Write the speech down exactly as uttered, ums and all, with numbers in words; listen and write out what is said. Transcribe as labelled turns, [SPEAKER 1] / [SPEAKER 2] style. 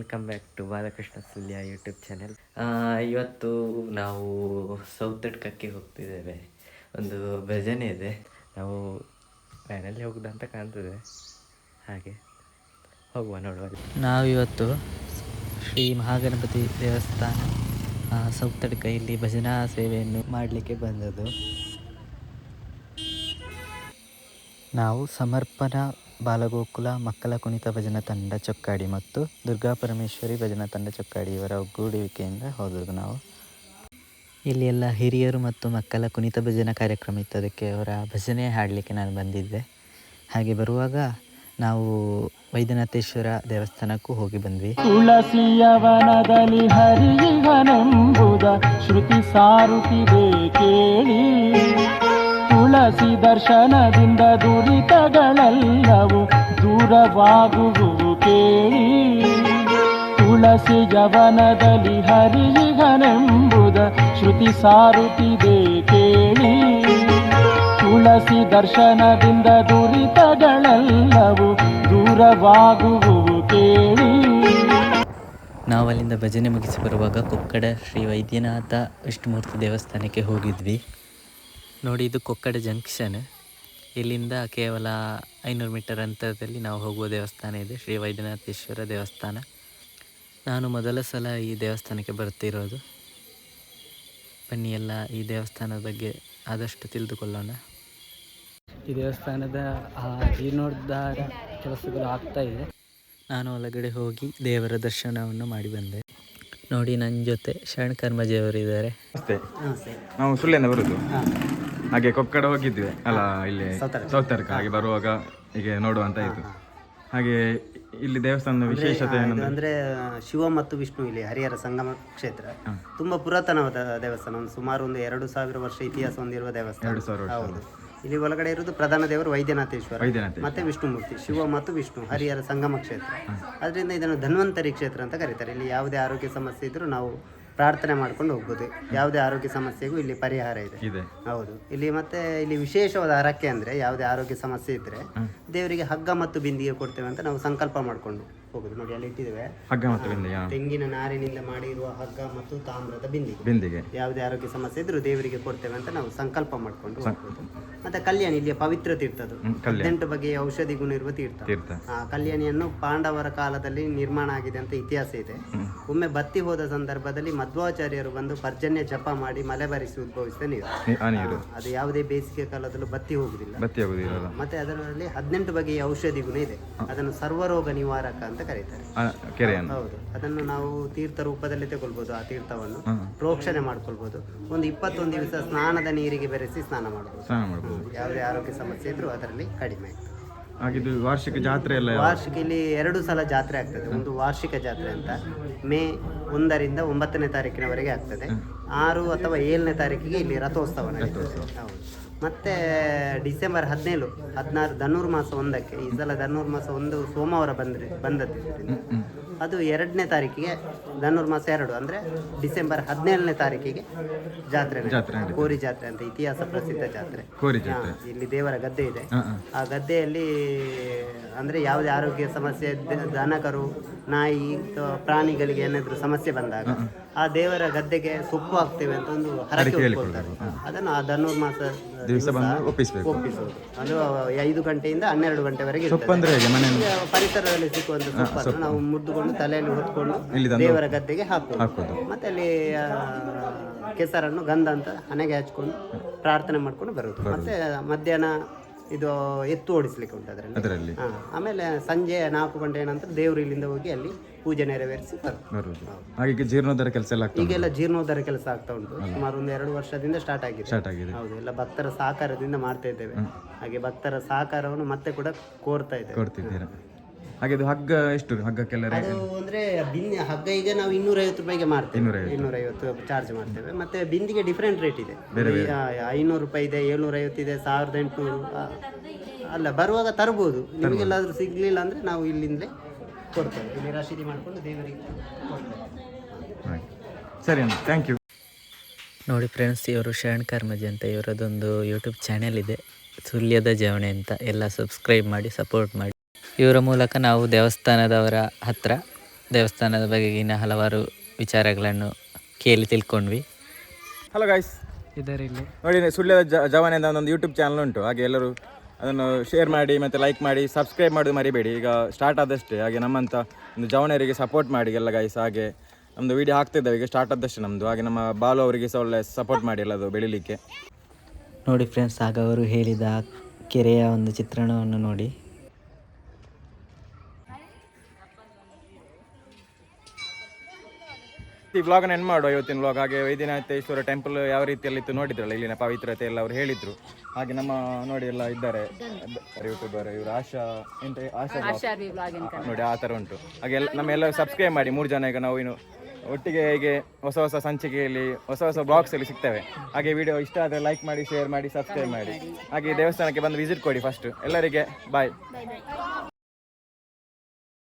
[SPEAKER 1] Welcome back to Balakrishna Sulya YouTube channel. ಇವತ್ತು ನಾವು ಸೌತಡ್ಕಕ್ಕೆ ಹೋಗ್ತಿದ್ದೇವೆ. ಒಂದು ಭಜನೆ ಇದೆ, ನಾವು ವ್ಯಾನಲ್ಲಿ ಹೋಗುದಂತ ಕಾಣ್ತದೆ, ಹಾಗೆ ಹೋಗುವ ನೋಡುವ. ನಾವಿವತ್ತು ಶ್ರೀ ಮಹಾಗಣಪತಿ ದೇವಸ್ಥಾನ ಸೌತಡ್ಕ ಇಲ್ಲಿ ಭಜನಾ ಸೇವೆಯನ್ನು ಮಾಡಲಿಕ್ಕೆ ಬಂದದ್ದು. ನಾವು ಸಮರ್ಪಣಾ ಬಾಲಗೋಕುಲ ಮಕ್ಕಳ ಕುಣಿತ ಭಜನಾ ತಂಡ ಚೊಕ್ಕಾಡಿ ಮತ್ತು ದುರ್ಗಾ ಪರಮೇಶ್ವರಿ ಭಜನಾ ತಂಡ ಚೊಕ್ಕಾಡಿ ಇವರ ಒಗ್ಗೂಡುವಿಕೆಯಿಂದ ಹೋದದ್ದು. ನಾವು ಇಲ್ಲಿ ಎಲ್ಲ ಹಿರಿಯರು ಮತ್ತು ಮಕ್ಕಳ ಕುಣಿತ ಭಜನಾ ಕಾರ್ಯಕ್ರಮ ಇತ್ತು, ಅದಕ್ಕೆ ಅವರ ಭಜನೆ ಹಾಡಲಿಕ್ಕೆ ನಾನು ಬಂದಿದ್ದೆ. ಹಾಗೆ ಬರುವಾಗ ನಾವು ವೈದ್ಯನಾಥೇಶ್ವರ ದೇವಸ್ಥಾನಕ್ಕೂ ಹೋಗಿ ಬಂದ್ವಿ.
[SPEAKER 2] ತುಳಸಿಯವನದಲ್ಲಿ ಹರಿಯುವನೆಂಬುದ ಶ್ರುತಿ ಸಾರುತ್ತಿದೆ ಕೇಳಿ, ತುಳಸಿ ದರ್ಶನದಿಂದ ದುರಿತಗಳೆಲ್ಲವೂ ದೂರವಾಗುವುದು ಕೇಳಿ. ತುಳಸಿ ಯವನದಲ್ಲಿ ಹರಿಯುವನೆಂಬುದ ಶ್ರುತಿ ಸಾರುತ್ತಿದೆ ಕೇಳಿ, ತುಳಸಿ ದರ್ಶನದಿಂದ ದುರಿತಗಳೆಲ್ಲವೂ ದೂರವಾಗುವುದು ಕೇಳಿ.
[SPEAKER 1] ನಾವು ಅಲ್ಲಿಂದ ಭಜನೆ ಮುಗಿಸಿ ಬರುವಾಗ ಕೊಕ್ಕಡ ಶ್ರೀ ವೈದ್ಯನಾಥ ವಿಷ್ಣುಮೂರ್ತಿ ದೇವಸ್ಥಾನಕ್ಕೆ ಹೋಗಿದ್ವಿ. ನೋಡಿ, ಇದು ಕೊಕ್ಕಡ ಜಂಕ್ಷನ್. ಇಲ್ಲಿಂದ ಕೇವಲ ಐನೂರು ಮೀಟರ್ ಅಂತರದಲ್ಲಿ ನಾವು ಹೋಗುವ ದೇವಸ್ಥಾನ ಇದೆ, ಶ್ರೀ ವೈದ್ಯನಾಥೇಶ್ವರ ದೇವಸ್ಥಾನ. ನಾನು ಮೊದಲ ಸಲ ಈ ದೇವಸ್ಥಾನಕ್ಕೆ ಬರ್ತಿರೋದು. ಬನ್ನಿ ಎಲ್ಲ ಈ ದೇವಸ್ಥಾನದ ಬಗ್ಗೆ ಆದಷ್ಟು ತಿಳಿದುಕೊಳ್ಳೋಣ.
[SPEAKER 2] ಈ ದೇವಸ್ಥಾನದ ಜೀರ್ಣೋದ್ಧಾರ ಕೆಲಸಗಳು ಆಗ್ತಾ ಇದೆ.
[SPEAKER 1] ನಾನು ಒಳಗಡೆ ಹೋಗಿ ದೇವರ ದರ್ಶನವನ್ನು ಮಾಡಿ ಬಂದೆ. ನೋಡಿ, ನನ್ನ ಜೊತೆ ಶರಣ್ ಕರ್ಮಜಿಯವರು ಇದ್ದಾರೆ.
[SPEAKER 3] ನಮಸ್ತೆ, ನಾವು ಸುಳ್ಳಿಯಿಂದ ಬರುದು. ಹಾಗೆ ಕೊಕ್ಕಡ ಹೋಗಿದ್ವಿ ಅಲ್ಲ, ಇಲ್ಲಿ ಸೌತಡ್ಕ. ಹಾಗೆ ಬರುವಾಗ ಹೀಗೆ ನೋಡುವಂತ ಇತ್ತು. ಹಾಗೆ ಇಲ್ಲಿ ದೇವಸ್ಥಾನದ ವಿಶೇಷತೆ
[SPEAKER 4] ಅಂದ್ರೆ ಶಿವ ಮತ್ತು ವಿಷ್ಣು ಇಲ್ಲಿ ಹರಿಹರ ಸಂಗಮ ಕ್ಷೇತ್ರ ತುಂಬಾ ಪುರಾತನವಾದ ದೇವಸ್ಥಾನ. ಒಂದು ಸುಮಾರು ಒಂದು ಎರಡು ಸಾವಿರ ವರ್ಷ ಇತಿಹಾಸ ಹೊಂದಿರುವ ದೇವಸ್ಥಾನ. ಹೌದು, ಇಲ್ಲಿ ಒಳಗಡೆ ಇರುವುದು ಪ್ರಧಾನ ದೇವರು ವೈದ್ಯನಾಥೇಶ್ವರ ಮತ್ತೆ ವಿಷ್ಣುಮೂರ್ತಿ, ಶಿವ ಮತ್ತು ವಿಷ್ಣು, ಹರಿಹರ ಸಂಗಮ ಕ್ಷೇತ್ರ. ಅದರಿಂದ ಇದನ್ನು ಧನ್ವಂತರಿ ಕ್ಷೇತ್ರ ಅಂತ ಕರೀತಾರೆ. ಇಲ್ಲಿ ಯಾವುದೇ ಆರೋಗ್ಯ ಸಮಸ್ಯೆ ಇದ್ರೂ ನಾವು ಪ್ರಾರ್ಥನೆ ಮಾಡ್ಕೊಂಡು ಹೋಗ್ಬೋದು. ಯಾವುದೇ ಆರೋಗ್ಯ ಸಮಸ್ಯೆಗೂ ಇಲ್ಲಿ ಪರಿಹಾರ ಇದೆ. ಹೌದು, ಇಲ್ಲಿ ಮತ್ತೆ ಇಲ್ಲಿ ವಿಶೇಷವಾದ ಹರಕೆ ಅಂದ್ರೆ ಯಾವುದೇ ಆರೋಗ್ಯ ಸಮಸ್ಯೆ ಇದ್ರೆ ದೇವರಿಗೆ ಹಗ್ಗ ಮತ್ತು ಬಿಂದಿಗೆ ಕೊಡ್ತೇವೆ ಅಂತ ನಾವು ಸಂಕಲ್ಪ ಮಾಡ್ಕೊಂಡು ಹೋಗುದು. ನೋಡಿ, ಅಲ್ಲಿ ಇಟ್ಟಿದ್ದೇವೆ
[SPEAKER 3] ಹಗ್ಗ ಮತ್ತು ಬಿಂದಿಗೆ.
[SPEAKER 4] ತೆಂಗಿನ ನಾರಿನಿಂದ ಮಾಡಿರುವ ಹಗ್ಗ ಮತ್ತು ತಾಮ್ರದ ಬಿಂದಿಗೆ.
[SPEAKER 3] ಬಿಂದಿಗೆ
[SPEAKER 4] ಯಾವುದೇ ಆರೋಗ್ಯ ಸಮಸ್ಯೆ ಇದ್ರೂ ದೇವರಿಗೆ ಕೊಡ್ತೇವೆ ಅಂತ ನಾವು ಸಂಕಲ್ಪ ಮಾಡ್ಕೊಂಡು ಹೋಗ್ಬೋದು. ಮತ್ತೆ ಕಲ್ಯಾಣಿ ಇಲ್ಲಿಯ ಪವಿತ್ರ ತೀರ್ಥದು, ಹದಿನೆಂಟು ಬಗೆಯ ಔಷಧಿ ಗುಣ ಇರುವ ತೀರ್ಥ. ಆ ಕಲ್ಯಾಣಿಯನ್ನು ಪಾಂಡವರ ಕಾಲದಲ್ಲಿ ನಿರ್ಮಾಣ ಆಗಿದೆ ಅಂತ ಇತಿಹಾಸ ಇದೆ. ಒಮ್ಮೆ ಬತ್ತಿ ಹೋದ ಸಂದರ್ಭದಲ್ಲಿ ಮಧ್ವಾಚಾರ್ಯರು ಬಂದು ಪರ್ಜನ್ಯ ಜಪ ಮಾಡಿ ಮಲೆ ಬರಿಸಿ ಉದ್ಭವಿಸಿದ ನೀರು. ಅದು ಯಾವುದೇ ಬೇಸಿಗೆ ಕಾಲದಲ್ಲೂ ಬತ್ತಿ ಹೋಗುದಿಲ್ಲ. ಮತ್ತೆ ಅದರಲ್ಲಿ ಹದಿನೆಂಟು ಬಗೆಯ ಔಷಧಿ ಗುಣ ಇದೆ. ಅದನ್ನು ಸರ್ವರೋಗ ನಿವಾರಕ ಅಂತ ಕರೀತಾರೆ. ಹೌದು, ಅದನ್ನು ನಾವು ತೀರ್ಥ ರೂಪದಲ್ಲಿ ತಗೊಳ್ಬಹುದು. ಆ ತೀರ್ಥವನ್ನು ಪ್ರೋಕ್ಷಣೆ ಮಾಡ್ಕೊಳ್ಬಹುದು. ಒಂದು ಇಪ್ಪತ್ತೊಂದು ದಿವಸ ಸ್ನಾನದ ನೀರಿಗೆ ಬೆರೆಸಿ ಸ್ನಾನ ಮಾಡಬಹುದು. ಯಾವುದೇ ಆರೋಗ್ಯ ಸಮಸ್ಯೆ ಇದ್ರೂ ಅದರಲ್ಲಿ ಕಡಿಮೆ ಆಗ್ತದೆ.
[SPEAKER 3] ಹಾಗಿದ್ದು ವಾರ್ಷಿಕ ಜಾತ್ರೆ ಎಲ್ಲ
[SPEAKER 4] ವಾರ್ಷಿಕ ಇಲ್ಲಿ ಎರಡು ಸಲ ಜಾತ್ರೆ ಆಗ್ತದೆ. ಒಂದು ವಾರ್ಷಿಕ ಜಾತ್ರೆ ಅಂತ ಮೇ ಒಂದರಿಂದ ಒಂಬತ್ತನೇ ತಾರೀಕಿನವರೆಗೆ ಆಗ್ತದೆ. ಆರು ಅಥವಾ ಏಳನೇ ತಾರೀಕಿಗೆ ಇಲ್ಲಿ ರಥೋತ್ಸವ ನಡೀತದೆ. ಹೌದು, ಮತ್ತೆ ಡಿಸೆಂಬರ್ ಹದಿನೇಳು ಹದಿನಾರು ಧನುರ್ ಮಾಸ ಒಂದಕ್ಕೆ, ಈ ಸಲ ಧನುರ್ ಮಾಸ ಒಂದು ಸೋಮವಾರ ಬಂದ್ರೆ ಬಂದದ್ದು ಅದು ಎರಡನೇ ತಾರೀಕಿಗೆ ಧನುರ್ ಮಾಸ ಎರಡು ಅಂದ್ರೆ ಡಿಸೆಂಬರ್ ಹದಿನೇಳನೇ ತಾರೀಕಿಗೆ ಜಾತ್ರೆ, ಕೋರಿ ಜಾತ್ರೆ ಅಂತ ಇತಿಹಾಸ ಪ್ರಸಿದ್ಧ ಜಾತ್ರೆ. ಇಲ್ಲಿ ದೇವರ ಗದ್ದೆ ಇದೆ. ಆ ಗದ್ದೆಯಲ್ಲಿ ಅಂದ್ರೆ ಯಾವುದೇ ಆರೋಗ್ಯ ಸಮಸ್ಯೆ, ದನಕರು, ನಾಯಿ, ಪ್ರಾಣಿಗಳಿಗೆ ಏನಾದ್ರು ಸಮಸ್ಯೆ ಬಂದಾಗ ಆ ದೇವರ ಗದ್ದೆಗೆ ಸೊಪ್ಪು ಹಾಕ್ತೇವೆ ಅಂತ ಒಂದು ಹರಕೆ ಹೊತ್ಕೊಳ್ತಾರೆ. ಅದನ್ನು ಆ ಧನುರ್ ಮಾಸ ಒಪ್ಪಿಸೋದು. ಅದು ಐದು ಗಂಟೆಯಿಂದ ಹನ್ನೆರಡು ಗಂಟೆವರೆಗೆ ಪರಿಸರದಲ್ಲಿ ಸಿಕ್ಕುವಂತ ಸೊಪ್ಪನ್ನು ನಾವು ಮುದ್ದುಕೊಂಡು ತಲೆಯಲ್ಲಿ ಹೊತ್ಕೊಂಡು ದೇವರ ಗದ್ದೆಗೆ ಹಾಕೋದು. ಮತ್ತೆ ಅಲ್ಲಿ ಕೆಸರನ್ನು ಗಂಧ ಅಂತ ಹಣೆಗೆ ಹಚ್ಕೊಂಡು ಪ್ರಾರ್ಥನೆ ಮಾಡ್ಕೊಂಡು ಬರುವುದು. ಮತ್ತೆ ಮಧ್ಯಾಹ್ನ ಇದು ಎತ್ತು ಓಡಿಸ್ಲಿಕ್ಕೆ ಉಂಟು ಅದರಲ್ಲಿ. ಆಮೇಲೆ ಸಂಜೆ ನಾಲ್ಕು ಗಂಟೆ ನಂತರ ದೇವರು ಇಲ್ಲಿಂದ ಹೋಗಿ ಅಲ್ಲಿ ಪೂಜೆ ನೆರವೇರಿಸಿ ಬರುವುದು.
[SPEAKER 3] ಹಾಗೆ ಜೀರ್ಣೋದ್ಧಾರ ಕೆಲಸ ಎಲ್ಲ
[SPEAKER 4] ಈಗೆಲ್ಲ ಜೀರ್ಣೋದ್ಧಾರ ಕೆಲಸ ಆಗ್ತಾ ಉಂಟು. ಸುಮಾರು ಒಂದು ಎರಡು ವರ್ಷದಿಂದ ಸ್ಟಾರ್ಟ್ ಆಗಿದೆ. ಹೌದು, ಎಲ್ಲ ಭಕ್ತರ ಸಹಕಾರದಿಂದ ಮಾಡ್ತಾ ಇದ್ದೇವೆ. ಹಾಗೆ ಭಕ್ತರ ಸಹಕಾರವನ್ನು ಮತ್ತೆ ಕೂಡ ಕೋರ್ತಾ ಇದ್ದೇವೆ.
[SPEAKER 3] ಹಾಗೆ ಹಗ್ಗ ಎಷ್ಟು ಹಗ್ಗಕ್ಕೆಲ್ಲ
[SPEAKER 4] ಅದು ಅಂದ್ರೆ ಬಿಂದಿ ಹಗ್ಗ ಈಗ ನಾವು ಇನ್ನೂರ ಐವತ್ತು ರೂಪಾಯಿಗೆ ಮಾಡ್ತೇವೆ. ಇನ್ನೂರ ಐವತ್ತು ಚಾರ್ಜ್ ಮಾಡ್ತೇವೆ. ಮತ್ತೆ ಬಿಂದಿಗೆ ಡಿಫ್ರೆಂಟ್ ರೇಟ್ ಇದೆ. ಐನೂರು ರೂಪಾಯಿ ಇದೆ, ಏಳ್ನೂರ ಐವತ್ತು ಇದೆ, ಸಾವಿರದ ಎಂಟುನೂರು. ಅಲ್ಲ, ಬರುವಾಗ ತರ್ಬೋದು. ನಿಮಗೆಲ್ಲಾದ್ರೂ ಸಿಗ್ಲಿಲ್ಲ ಅಂದ್ರೆ ನಾವು ಇಲ್ಲಿಂದಲೇ ಕೊಡ್ತೇವೆ. ಇಲ್ಲಿ ರಶೀದಿ ಮಾಡ್ಕೊಂಡು ದೇವರಿಗೆ ಕೊಡ್ತೇವೆ.
[SPEAKER 3] ಸರಿ, ಥ್ಯಾಂಕ್ ಯು.
[SPEAKER 1] ನೋಡಿ ಫ್ರೆಂಡ್ಸ್, ಇವರು ಶರಣ್ ಕರ್ಮಜಿ ಅಂತ, ಇವರದೊಂದು ಯೂಟ್ಯೂಬ್ ಚಾನೆಲ್ ಇದೆ, ಸುಲ್ಯದ ಜವಣೆ ಅಂತ. ಎಲ್ಲ ಸಬ್ಸ್ಕ್ರೈಬ್ ಮಾಡಿ, ಸಪೋರ್ಟ್ ಮಾಡಿ. ಇವರ ಮೂಲಕ ನಾವು ದೇವಸ್ಥಾನದವರ ಹತ್ರ ದೇವಸ್ಥಾನದ ಬಗೆಗಿನ ಹಲವಾರು ವಿಚಾರಗಳನ್ನು ಕೇಳಿ ತಿಳ್ಕೊಂಡ್ವಿ.
[SPEAKER 3] ಹಲೋ ಗೈಸ್,
[SPEAKER 2] ಇದರಲ್ಲಿ
[SPEAKER 3] ನೋಡಿ ಸುಳ್ಯದ ಜ ಜವಾನೆ ಅಂತ ಒಂದೊಂದು ಯೂಟ್ಯೂಬ್ ಚಾನಲ್ ಉಂಟು. ಹಾಗೆ ಎಲ್ಲರೂ ಅದನ್ನು ಶೇರ್ ಮಾಡಿ ಮತ್ತು ಲೈಕ್ ಮಾಡಿ ಸಬ್ಸ್ಕ್ರೈಬ್ ಮಾಡೋದು ಮರಿಬೇಡಿ. ಈಗ ಸ್ಟಾರ್ಟ್ ಆದಷ್ಟೇ. ಹಾಗೆ ನಮ್ಮಂಥ ಒಂದು ಜವನರಿಗೆ ಸಪೋರ್ಟ್ ಮಾಡಿ ಎಲ್ಲ ಗೈಸ್. ಹಾಗೆ ನಮ್ಮದು ವೀಡಿಯೋ ಹಾಕ್ತಿದ್ದೇವೆ, ಈಗ ಸ್ಟಾರ್ಟ್ ಆದಷ್ಟೇ ನಮ್ಮದು. ಹಾಗೆ ನಮ್ಮ ಬಾಲು ಅವರಿಗೆ ಸಹ ಒಳ್ಳೆ ಸಪೋರ್ಟ್ ಮಾಡಿ ಎಲ್ಲದು ಬೆಳಿಲಿಕ್ಕೆ.
[SPEAKER 1] ನೋಡಿ ಫ್ರೆಂಡ್ಸ್, ಆಗ ಅವರು ಹೇಳಿದ ಕೆರೆಯ ಒಂದು ಚಿತ್ರಣವನ್ನು ನೋಡಿ.
[SPEAKER 3] ಈ ವ್ಲಾಗನ್ನು ಎಂಡ್ ಮಾಡುವ ಇವತ್ತಿನ ವ್ಲಾಗ್. ಹಾಗೆ ವೈದ್ಯನಾಥೇಶ್ವರ ಟೆಂಪಲ್ ಯಾವ ರೀತಿಯಲ್ಲಿತ್ತು ನೋಡಿದ್ರಲ್ಲ, ಇಲ್ಲಿನ ಪವಿತ್ರತೆ ಎಲ್ಲ ಅವರು ಹೇಳಿದ್ರು. ಹಾಗೆ ನಮ್ಮ ನೋಡಿ ಎಲ್ಲ ಇದ್ದಾರೆ ಯೂಟ್ಯೂಬರ್, ಇವರು ಆಶಾ ಎಂತ ಆಶಾ ನೋಡಿ ಆ ಥರ ಉಂಟು. ಹಾಗೆ ಎಲ್ಲ ನಮ್ಮ ಎಲ್ಲ ಸಬ್ಸ್ಕ್ರೈಬ್ ಮಾಡಿ. ಮೂರು ಜನ ಈಗ ನಾವು ಇನ್ನು ಒಟ್ಟಿಗೆ ಹೀಗೆ ಹೊಸ ಹೊಸ ಸಂಚಿಕೆಯಲ್ಲಿ ಹೊಸ ಹೊಸ ಬ್ಲಾಗ್ಸಲ್ಲಿ ಸಿಗ್ತೇವೆ. ಹಾಗೆ ವಿಡಿಯೋ ಇಷ್ಟ ಆದರೆ ಲೈಕ್ ಮಾಡಿ, ಶೇರ್ ಮಾಡಿ, ಸಬ್ಸ್ಕ್ರೈಬ್ ಮಾಡಿ. ಹಾಗೆ ದೇವಸ್ಥಾನಕ್ಕೆ ಬಂದು ವಿಸಿಟ್ ಕೊಡಿ ಫಸ್ಟ್. ಎಲ್ಲರಿಗೆ ಬಾಯ್.